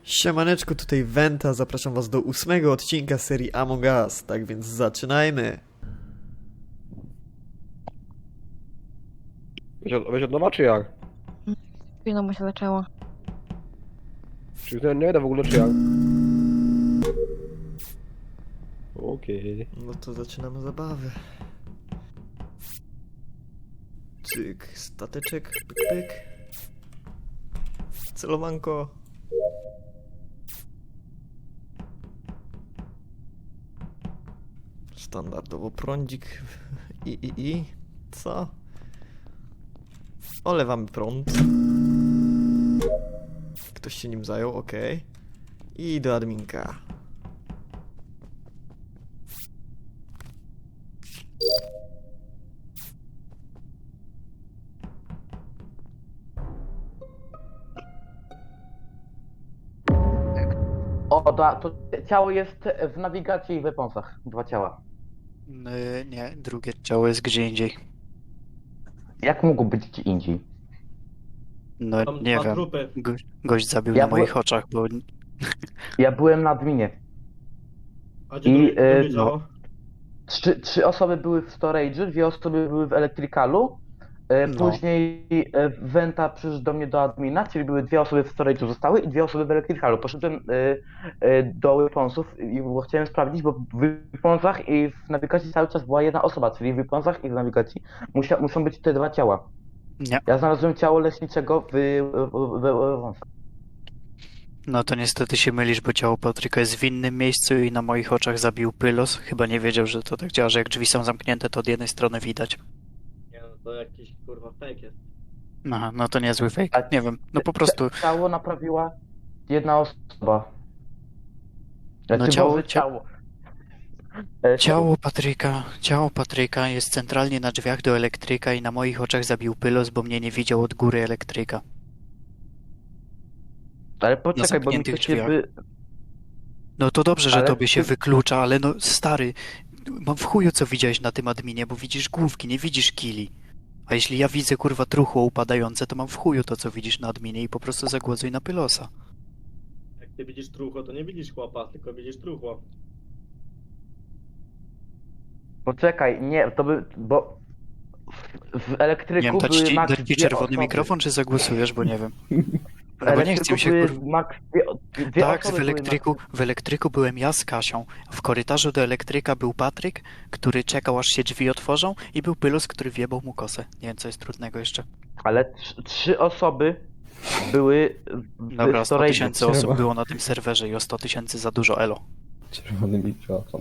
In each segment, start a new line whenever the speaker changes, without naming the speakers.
Siemaneczko, tutaj Wenta, zapraszam was do 8. odcinka serii Among Us, tak więc zaczynajmy!
Weź od nowa, czy jak?
Chwilą mu się zaczęło.
Czy nie idę w ogóle, czy jak? Okej.
No to zaczynamy zabawę. Cyk, stateczek, pyk pyk. Celowanko. Standardowo prądzik. I. Co? Olewamy prąd. Ktoś się nim zajął, okej. I do adminka.
To ciało jest w nawigacji i w weaponsach. 2 ciała.
Nie, drugie ciało jest gdzie indziej.
Jak mógł być gdzie indziej?
No
Tam
nie
dwa
wiem.
trupy.
Gość zabił
Ja
na moich oczach, bo
Ja byłem na adminie.
A gdzie
I,
drugie
no.
działo?
Trzy osoby były w storage'u, 2 osoby były w electricalu.
No.
Później Wenta przyszedł do mnie do admina, czyli były 2 osoby w storage'u zostały i 2 osoby w electricalu. Poszedłem do weaponsów, bo chciałem sprawdzić, bo w weaponsach i w nawigacji cały czas była jedna osoba, czyli w weaponsach i w nawigacji muszą być te 2 ciała.
nie.
Ja znalazłem ciało leśniczego w weaponsach.
No to niestety się mylisz, bo ciało Patryka jest w innym miejscu i na moich oczach zabił Pylos. Chyba nie wiedział, że to tak działa, że jak drzwi są zamknięte, to od jednej strony widać.
Nie no, to jakiś kurwa fake jest.
Aha, no to niezły fake. Nie wiem, no po prostu
Ciało naprawiła jedna osoba.
No ciało-
ciało.
ciało Patryka jest centralnie na drzwiach do elektryka i na moich oczach zabił Pylos, bo mnie nie widział od góry elektryka.
Ale poczekaj, bo mi
zamkniętych
to się
drzwiach. No to dobrze, że
Ale
tobie się
ty-
wyklucza, ale no stary, mam w chuju co widziałeś na tym adminie, bo widzisz główki, nie widzisz kili. A jeśli ja widzę kurwa truchło upadające, to mam w chuju to co widzisz na adminie i po prostu zagłosuj na Pylosa.
Jak ty widzisz truchło, to nie widzisz chłopa, tylko widzisz truchło.
Poczekaj, nie, to by, bo w elektryku
Nie wiem, dać
były
ci,
max
dać ci
2
czerwony
osoby.
mikrofon, czy zagłosujesz, bo nie wiem.
W
No bo nie
elektryku
chcę się
były
kurwa...
max dwie
Tak,
osoby były
w elektryku byłem ja z Kasią. W korytarzu do elektryka był Patryk, który czekał aż się drzwi otworzą i był Pylos, który wjebał mu kosę. Nie wiem co jest trudnego jeszcze.
Ale 3 osoby były w
Dobra, 100
storage'u.
tysięcy osób było na tym serwerze i o 100 tysięcy za dużo elo.
Czerwony mikrofon.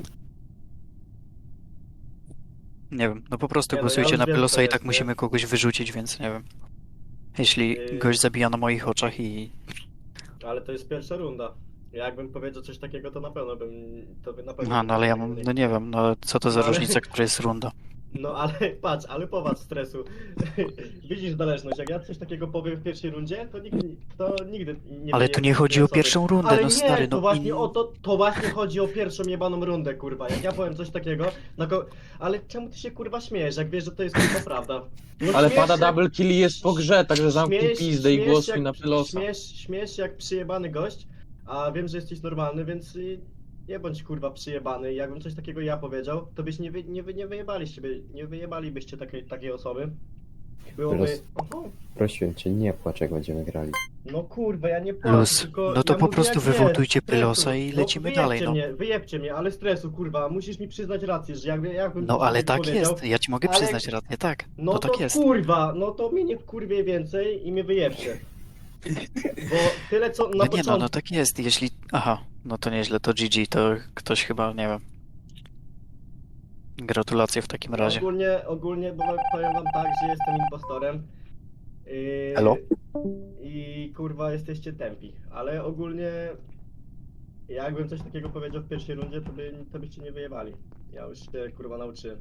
Nie wiem, no po prostu
Nie no, ja
głosujcie
już
na
wiem,
Pylosa
co
i tak
jest, nie?
musimy kogoś wyrzucić, więc nie wiem. Jeśli gość zabija na moich oczach i...
Ale to jest pierwsza runda. Jakbym powiedział coś takiego, to na pewno bym... To by na pewno...
Aha, no ale ja mam, no nie wiem, no co to za
No ale-
różnica, która jest runda.
No ale patrz, ale popatrz stresu. Widzisz zależność, jak ja coś takiego powiem w pierwszej rundzie, to nigdy nie...
Ale tu nie chodzi o
osoby.
pierwszą rundę,
Ale
no
nie,
stary,
to
no
właśnie
i...
o to właśnie chodzi o pierwszą jebaną rundę, kurwa. Jak ja powiem coś takiego, ale czemu ty się kurwa śmiejesz, jak wiesz, że to jest kurwa prawda? No
Ale
śmiejesz
pada
się-
double kill i jest po grze, także zamknij
śmiejesz-
pizdę i
śmiejesz
głosuj
jak-
na Pylosa.
Śmiejesz się jak przyjebany gość, a wiem, że jesteś normalny, więc nie bądź kurwa przyjebany. Jakbym coś takiego ja powiedział, to byś nie wyjebaliście, nie wyjebalibyście takiej osoby. Byłoby...
Pylos.
Oho,
Prosiłem cię, nie płacz jak będziemy grali.
no kurwa, ja nie płacę,
Luz.
tylko
No to
ja
po
mówię,
prostu
jak jest,
wywotujcie
stresu.
Pylosa i lecimy dalej, no.
Wyjebcie mnie, ale stresu, kurwa, musisz mi przyznać rację, że jakbym
No
coś
ale
takiego
tak
powiedział,
jest, ja ci mogę
ale-
przyznać rację, tak.
no
No
to
tak jest.
kurwa, no to mnie nie wkurwie więcej i mnie wyjebcie. Bo tyle co na
No nie
początku...
no, no tak jest, jeśli... Aha, no to nieźle, to GG, to ktoś chyba, nie wiem. Gratulacje w takim razie.
Ogólnie, bo powiem wam tak, że jestem impostorem.
Elo?
I kurwa jesteście tępi, ale ogólnie jakbym coś takiego powiedział w pierwszej rundzie, to byście nie wyjebali. Ja już się kurwa nauczyłem.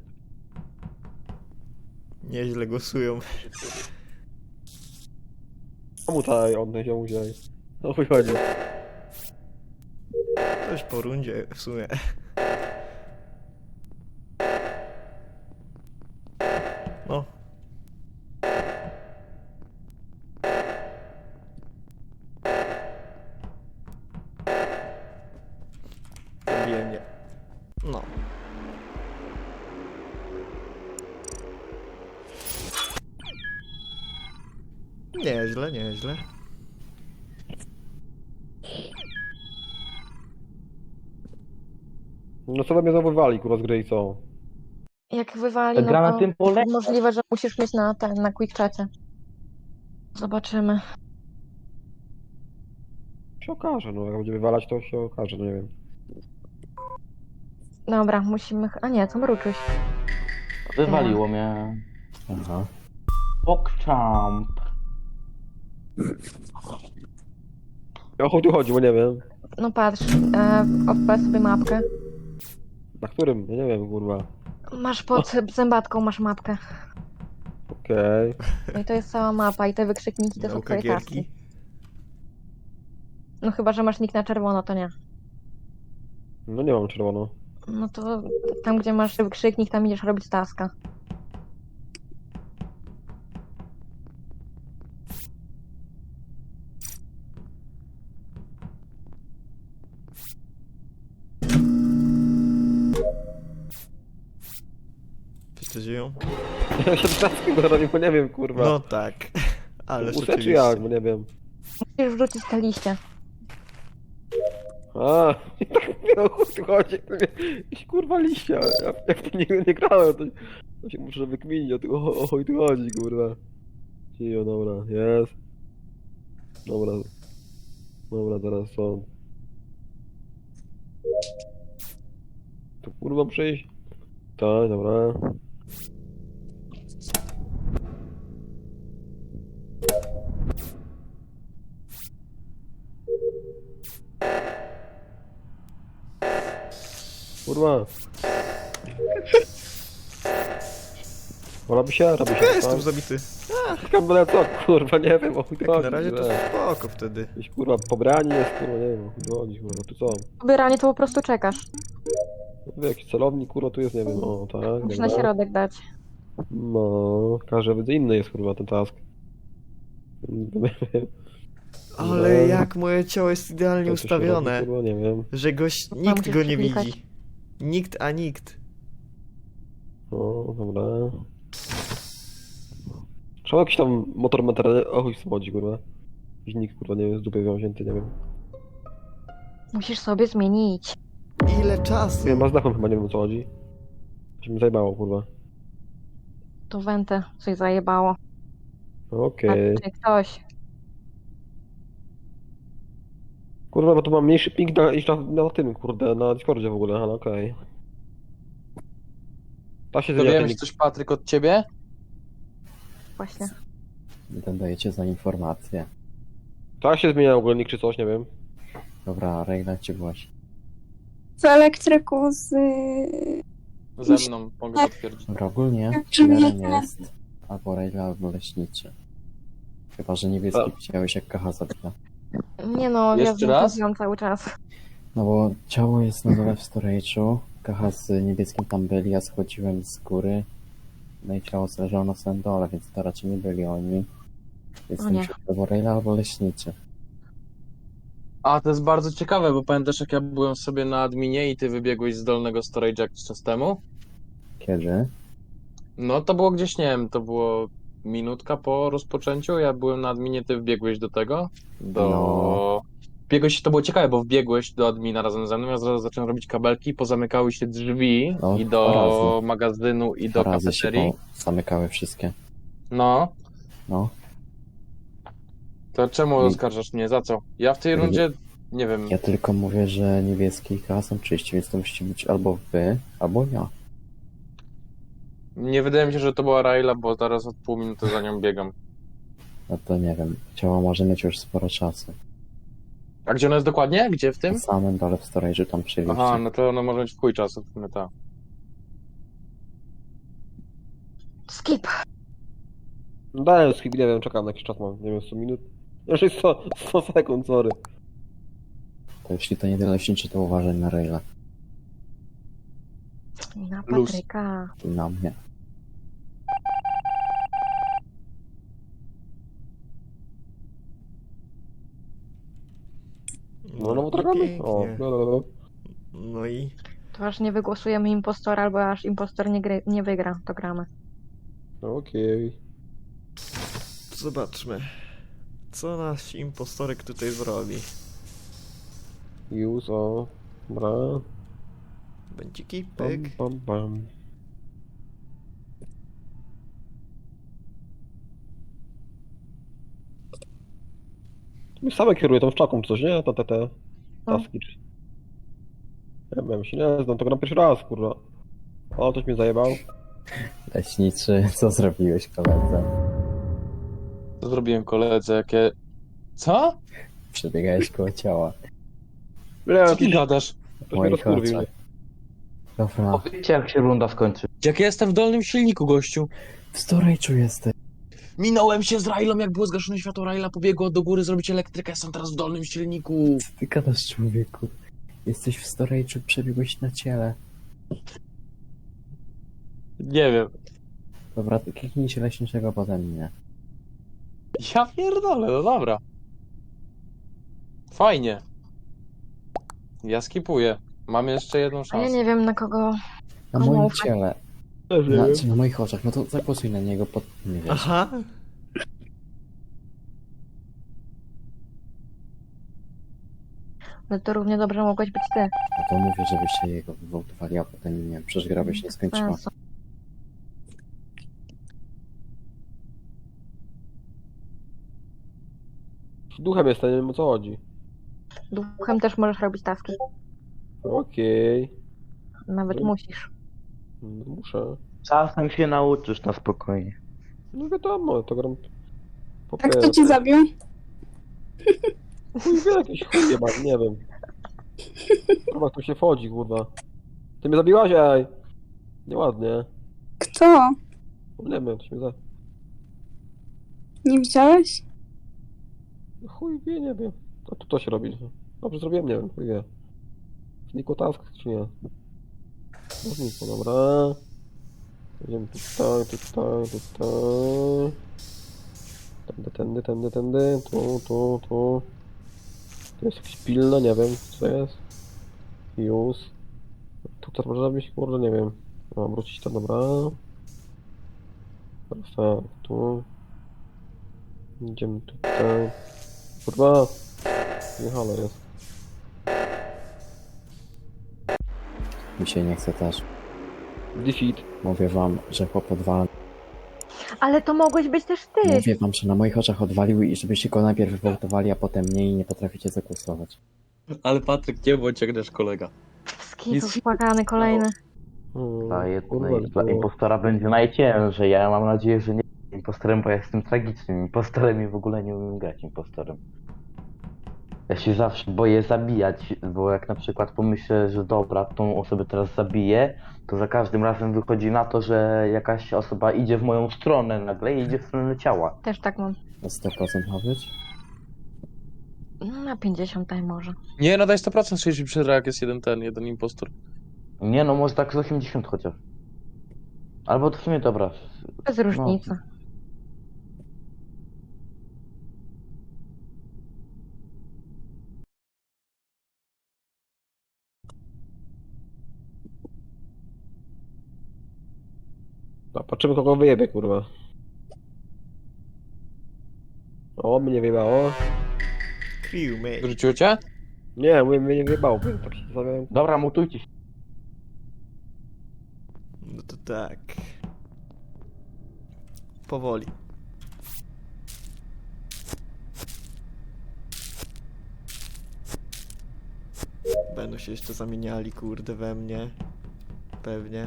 Nieźle głosują.
Komu tutaj odnieść ją wziąć? No chuj chodzi.
Coś po rundzie w sumie. No. bije mnie. No. Nieźle, nieźle.
No co we mnie znowu wali, kurwa, z gry i co?
Jak wywali,
Gra na
no
tym
to
pole?
możliwe, że musisz mieć na quick chacie. Zobaczymy.
Się okaże, no jak będzie wywalać, to się okaże, no nie wiem.
Dobra, musimy... A nie, co mruczyś?
Wywaliło mnie.
Aha.
PogChamp.
O chuj tu chodzi, bo nie wiem.
No patrz, odpal sobie mapkę.
Na którym? Ja nie wiem, kurwa.
Masz pod zębatką, masz mapkę.
Okej.
No i to jest cała mapa i te wykrzykniki to są
Nauka
twoje
gierki.
taski. No chyba, że masz nick na czerwono, to nie.
No nie mam czerwono.
No to tam, gdzie masz wykrzyknik, tam idziesz robić taska.
Wszyscy żyją?
Ja się trzaskam, bo nie wiem, kurwa.
No tak. Ale
Use czy
rzeczywiście.
jak, bo nie wiem.
Musisz wrzucić te liście.
A, i tak mówię, o chuj tu chodzi. Jakieś kurwa liścia. Jak to nigdy nie grałem, to się muszę wykminić, o chuj tu chodzi, kurwa. Cio, dobra, jest. Dobra. Dobra, teraz są. Tu kurwa przyjść? Tak, dobra. Kurwa. Robi się, robi się.
Jestem zabity.
Skambele co, kurwa, nie wiem, o chuj tu
Jak
chodzi.
na razie to
że-
spoko wtedy.
Jakieś kurwa pobrani jest, kurwa, nie wiem, o chuj tu chodzi, kurwa, tu co?
Pobieranie to po prostu czekasz.
Tu jakiś celownik, kurwa, tu jest, nie wiem, o tak,
Musisz na
dobra.
środek dać.
No, każdy widzę inny jest, kurwa, ten task.
Ale
No.
jak moje ciało jest idealnie
To, co się
ustawione,
robi, kurwa, nie wiem.
że nikt
musisz
go nie
przeklikać.
widzi. Nikt, a nikt.
No, dobra. Trzeba jakiś tam motor materialny, o chuj chodzi, kurwa. Jakiś nikt, kurwa, nie wiem, z dupy wzięty, nie wiem.
Musisz sobie zmienić.
Ile czasu?
Nie, ma znakiem chyba, nie wiem, o co chodzi. Się mi zajebało, kurwa.
To wentę coś zajebało.
Okej.
Patrzcie, ktoś.
Kurwa, bo tu mam mniejszy ping niż na tym, kurde, na Discordzie w ogóle, ale okej. Da się zmieniać ten
Dowiemy się
nick.
coś, Patryk, od ciebie?
Właśnie.
Ile dajecie za informację?
Da się zmienia w ogóle nick czy coś, nie wiem.
Dobra, Rejna cię właśnie.
W elektryku z...
Ze mną, mogę potwierdzić.
Dobra, ogólnie
Czy mnie
killerem
nie-
jest albo Rejla, albo Leśniczy. Chyba, że niebieski widziałeś jak Kacha zabita.
Nie no, ja
Jeszcze raz?
znam cały czas.
No bo ciało jest na dole w storage'u, Kacha z niebieskim tam byli, ja schodziłem z góry. No i ciało leżało na samym dole, więc to raczej nie byli oni. Więc
O
to
nie.
musi być albo Rejla, albo Leśniczy.
A, to jest bardzo ciekawe, bo pamiętasz, jak ja byłem sobie na adminie i ty wybiegłeś z dolnego storage'a jakiś czas temu?
Kiedy?
No, to było gdzieś, nie wiem, to było minutka po rozpoczęciu, ja byłem na adminie, ty wbiegłeś do tego,
No.
Wbiegłeś, to było ciekawe, bo wbiegłeś do admina razem ze mną, ja zaraz zacząłem robić kabelki, pozamykały się drzwi
No,
i
dwa
do
razy.
magazynu, i do
Dwa razy się
kafeterii.
zamykały wszystkie.
No,
No.
to czemu
I-
oskarżasz mnie, za co? Ja w tej
Nie-
rundzie, nie wiem,
Ja tylko mówię, że niebieski i Kacha są czyści, więc to musicie być albo wy, albo ja.
nie wydaje mi się, że to była Raila, bo zaraz od pół minuty za nią biegam.
No to nie wiem. Ciało może mieć już sporo czasu.
A gdzie ona jest dokładnie? Gdzie w
Na
tym?
samym dole w storage'u tam przy
Aha,
lifcie.
no to ona może mieć w chuj czasu, w sumie tak.
Skip.
No dałem skip, nie wiem, czekam na jakiś czas mam, nie wiem, 100 minut. Jeszcze 100 sekund, sorry.
To jeśli to nie tyle Leśniczy, to uważaj na Rejla
I na
Luz.
Patryka.
i na mnie.
No, no, bo tak robi. O,
Pięknie.
no, no, no.
No i
To aż nie wygłosujemy impostora, albo aż impostor nie wygra, to gramy.
Okej.
zobaczmy, co nasz impostorek tutaj zrobi.
Już, o. Dobra.
Bęciki,
Bam,
pyk.
bam, bam. My same kieruje tą szczaką czy coś, nie? Te
No.
taski czy... Ja wiem, się nie znam, to gram pierwszy raz, kurwa. O, ktoś mnie zajebał.
Leśniczy, co zrobiłeś koledze?
Co zrobiłem koledze, jakie... Co?
Przebiegałeś koło ciała.
Nie,
Co ty gadasz?
ktoś mnie rozkurwił.
oczach. Dobra,
Powiedzcie, jak się runda skończy.
Jak ja jestem w dolnym silniku, gościu.
w storage'u jesteś.
Minąłem się z Railą, jak było zgaszone światło Raila, pobiegło do góry zrobić elektrykę, jestem teraz w dolnym silniku.
Co ty gadasz, człowieku? Jesteś w storage'u, przebiegłeś na ciele.
Nie wiem.
Dobra, to kliknij się leśniczego potem mnie.
Ja pierdolę, no dobra. Fajnie. Ja skipuję. Mam jeszcze jedną
A ja
szansę.
nie wiem na kogo...
Na
Komu
moim
ufać?
ciele.
Też nie wiem.
Na moich oczach. No to zagłosuj na niego, nie wiesz.
Aha,
No to równie dobrze mogłeś być ty.
No to mówię, żebyście jego wywołtowali, a potem nie wiem, przecież gra by się nie skończyła.
Sensu.
Duchem jestem, nie wiem o co chodzi.
Duchem też możesz robić taski.
Okej.
Nawet musisz.
No, muszę.
Czasem się nauczysz na spokojnie.
No wiadomo, to gram... Po
A kto
pierwsze.
cię zabił?
Chuj wie, jakiś chuj jebany, nie wiem. Kurwa, tu się wchodzi, kurwa. Ty mnie zabiłaś, ej! Nieładnie.
Kto?
Nie wiem, ktoś mnie za...
Nie widziałeś?
No chuj wie, nie wiem. A tu to się robi. Dobrze zrobiłem, nie wiem, chuj wie. Zniko task, czy nie? No zniko, dobra. Idziemy tutaj, tutaj, tutaj. Tędy. Tu. Tu jest jakieś pilne, nie wiem, co jest. Już. Tu też może być, kurde, nie wiem. Mam wrócić to, dobra. Perfekt, tu. Idziemy tutaj. Kurwa! Nie halo jest.
Mi się nie chce też.
Defeat.
Mówię wam, że chłop odwala.
Ale to mogłeś być też ty!
Mówię wam, że na moich oczach odwalił i żebyście go najpierw wywołtowali, a potem mnie i nie potraficie zagłosować.
Ale Patryk, nie bądź jak nasz kolega.
Skitów płakany kolejny.
Dla impostora będzie najciężej. Ja mam nadzieję, że nie impostorem, bo ja jestem tragicznym impostorem i w ogóle nie umiem grać impostorem. Ja się zawsze boję zabijać, bo jak na przykład pomyślę, że dobra, tą osobę teraz zabiję, to za każdym razem wychodzi na to, że jakaś osoba idzie w moją stronę nagle i idzie w stronę ciała.
Też tak mam.
Na 100% ma być?
No, na 50 daj może.
Nie, no daj 100% 60 jak jest jeden impostor.
Nie no, może tak z 80 chociaż. Albo to w sumie dobra.
Bez różnicy.
No, patrzymy kogo wyjebie, kurwa. O, mnie wyjebało.
crewmate.
Wróciło cię?
Nie, mnie nie wyjebało, bo tak się zastanawiałem.
Dobra, mutujcie się.
No to tak. Powoli. Będą się jeszcze zamieniali, kurde, we mnie. Pewnie.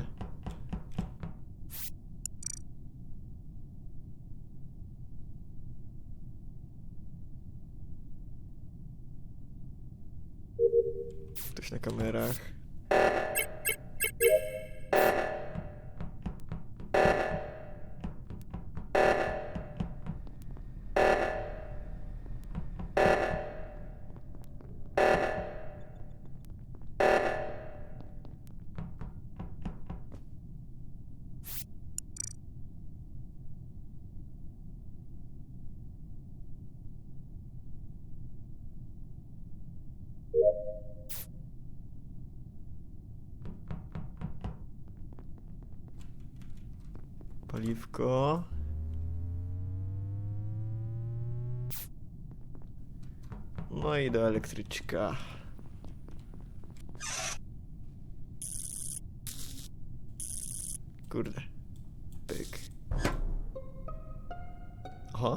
Ktoś na kamerach. Paliwko. No i do elektryczka. Kurde. Pyk. Aha.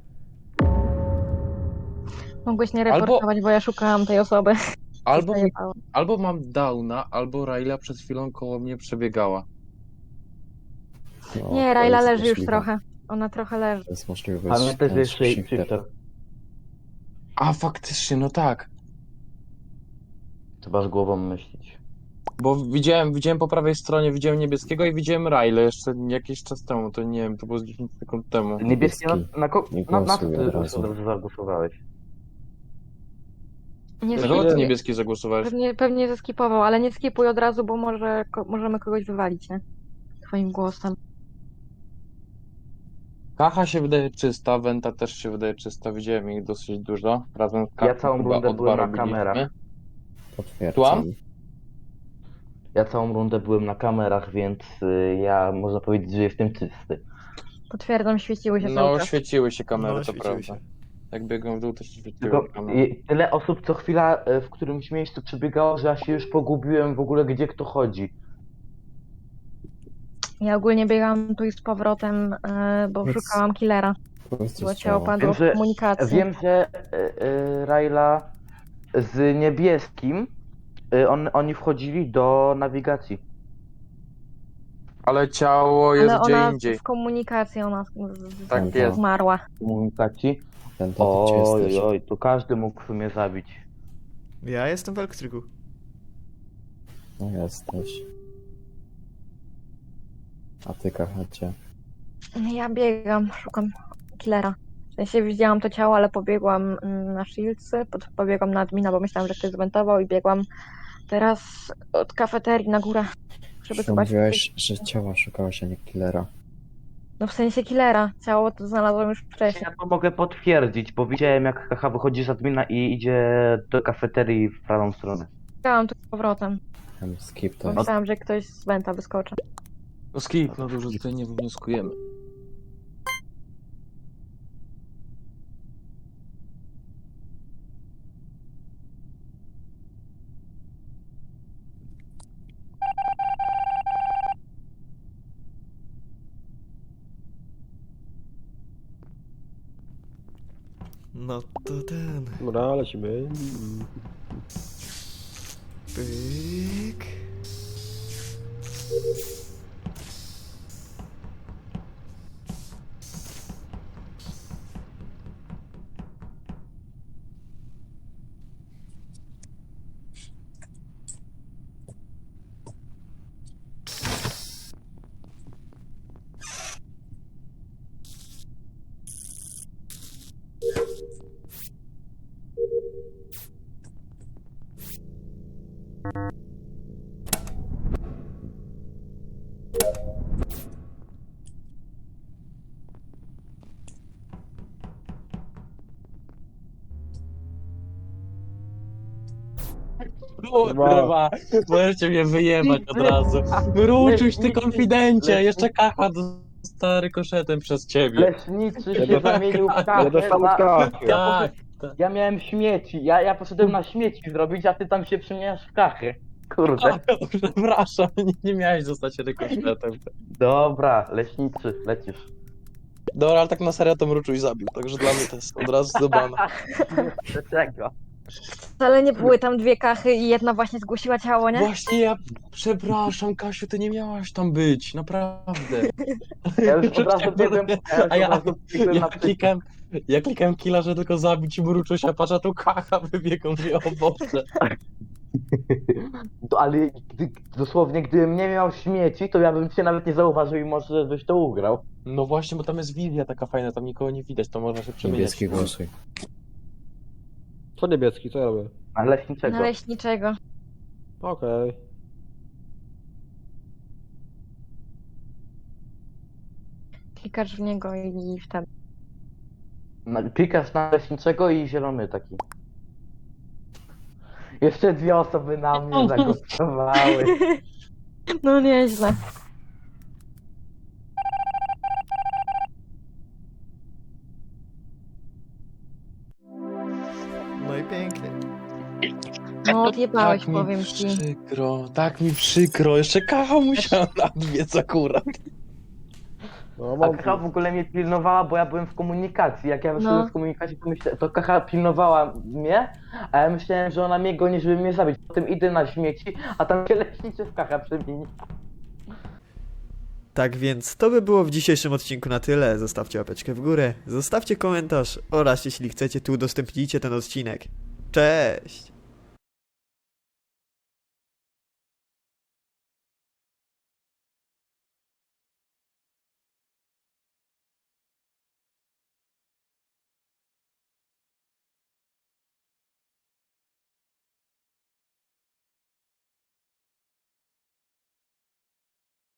Mogłeś nie reportować, bo ja szukałam tej osoby.
Albo,
Zajebałam.
albo mam downa, albo Raila przed chwilą koło mnie przebiegała.
No,
Nie,
to
Raila
jest
leży już
możliwe.
trochę. Ona trochę leży.
To jest możliwe.
A mnie też jest
shifter.
shifter.
A faktycznie, no tak.
Trzeba z głową myśleć.
Bo widziałem po prawej stronie, widziałem niebieskiego i widziałem Railę jeszcze jakiś czas temu, to nie wiem, to było z 10 sekund temu.
Niebieski,
Nie
na co
głosuj
ty
od razu.
zagłosowałeś?
Nie
Dlaczego ty
skipuj.
niebieski zagłosowałeś?
Pewnie zeskipował, ale nie skipuj od razu, bo możemy kogoś wywalić, nie? Twoim głosem.
Kacha się wydaje czysta, Wenta też się wydaje czysta, widziałem ich dosyć dużo. Razem z Kachą
całą
chyba
rundę
o dwa
byłem na
robiliśmy.
kamerach.
Potwierdzam.
Słucham?
Ja całą rundę byłem na kamerach, więc ja można powiedzieć, że jestem czysty.
Potwierdzam, świeciły się cały
No,
czas.
świeciły się kamery,
No,
to
świeciły
prawda.
się.
Jak biegłem w dół, to się świeciły
Tylko
kamery.
tyle osób co chwila w którymś miejscu przebiegało, że ja się już pogubiłem w ogóle, gdzie kto chodzi.
Ja ogólnie biegałam tu i z powrotem, bo
Więc-
szukałam killera.
Powiedz
Bo
coś
ciało
ciało.
padło
Wiem,
w
że-
komunikacji.
Wiem, że Raila z niebieskim, oni wchodzili do nawigacji.
Ale ciało jest
Ale
gdzie
ona
indziej.
w komunikacji ona
Tak jest.
zmarła.
W komunikacji.
Wenta, to gdzie
Oj,
jesteś?
oj, tu każdy mógł mnie zabić.
Ja jestem w elektryku.
No jesteś. A ty, Kachacie?
Ja biegam, szukam killera. W sensie widziałam to ciało, ale pobiegłam na Shieldsy, pobiegłam na admina, bo myślałam, że ktoś zwentował i biegłam teraz od kafeterii na górę, żeby zobaczyć.
Mówiłeś, że ciała szukałeś, a nie killera.
No w sensie killera. Ciało to znalazłam już wcześniej.
Ja to mogę potwierdzić, bo widziałem jak Kacha wychodzi z admina i idzie do kafeterii w prawą stronę.
Biegałam tu z powrotem.
Skip to
Bo
jest.
myślałam, że ktoś z Wenta wyskoczy.
No skip, no dużo tutaj nie wnioskujemy.
No to ten.
Dobra, lecimy.
Pyk.
Kurwa, możecie mnie wyjebać od razu. Mruczuś, ty konfidencie, jeszcze Kacha dostała rykoszetem przez ciebie.
Leśniczy się zamienił w
Ja
kachę.
dostałem od Kachy.
Tak.
Ja miałem śmieci, ja poszedłem na śmieci zrobić, a ty tam się przemieniasz w kachę. Kurde.
Przepraszam, nie miałeś zostać rykoszetem.
Dobra, leśniczy, lecisz.
Dobra, ale tak na serio to Mruczuś zabił, także dla mnie to jest od razu zdobane.
Dlaczego?
Wcale nie były tam dwie kachy i jedna właśnie zgłosiła ciało, nie?
Właśnie ja, przepraszam Kasiu, ty nie miałaś tam być, naprawdę.
Ja już od razu biegłem,
A ja,
biegłem
ja
na
klikałem killa, że tylko zabić Mruczusia, patrz, a tu Kacha wybiegł, mówię, o Boże.
Ale dosłownie, gdybym nie miał śmieci, to ja bym cię nawet nie zauważył i może byś to ugrał.
No właśnie, bo tam jest wizja taka fajna, tam nikogo nie widać, to można się przemieniać.
Niebieski głosuj.
Co niebieski, co ja robię?
A leśniczego.
Na leśniczego.
Okej.
Klikasz w niego i wtedy.
Klikasz na leśniczego i zielony taki. Jeszcze dwie osoby na mnie zagłosowały.
No nieźle. No odjebałeś,
Tak mi
powiem ci.
przykro, tak mi przykro. Jeszcze Kacha musiała nadbiec akurat.
No,
A
mam
Kacha w ogóle mnie pilnowała, bo ja byłem w komunikacji. Jak ja wyszedłem
No.
z komunikacji, to Kacha pilnowała mnie, a ja myślałem, że ona mnie goni, żeby mnie zabić. Potem idę na śmieci, a tam się leśniczewka przemieni.
Tak więc to by było w dzisiejszym odcinku na tyle. Zostawcie łapeczkę w górę, zostawcie komentarz oraz jeśli chcecie, tu udostępnijcie ten odcinek. Cześć!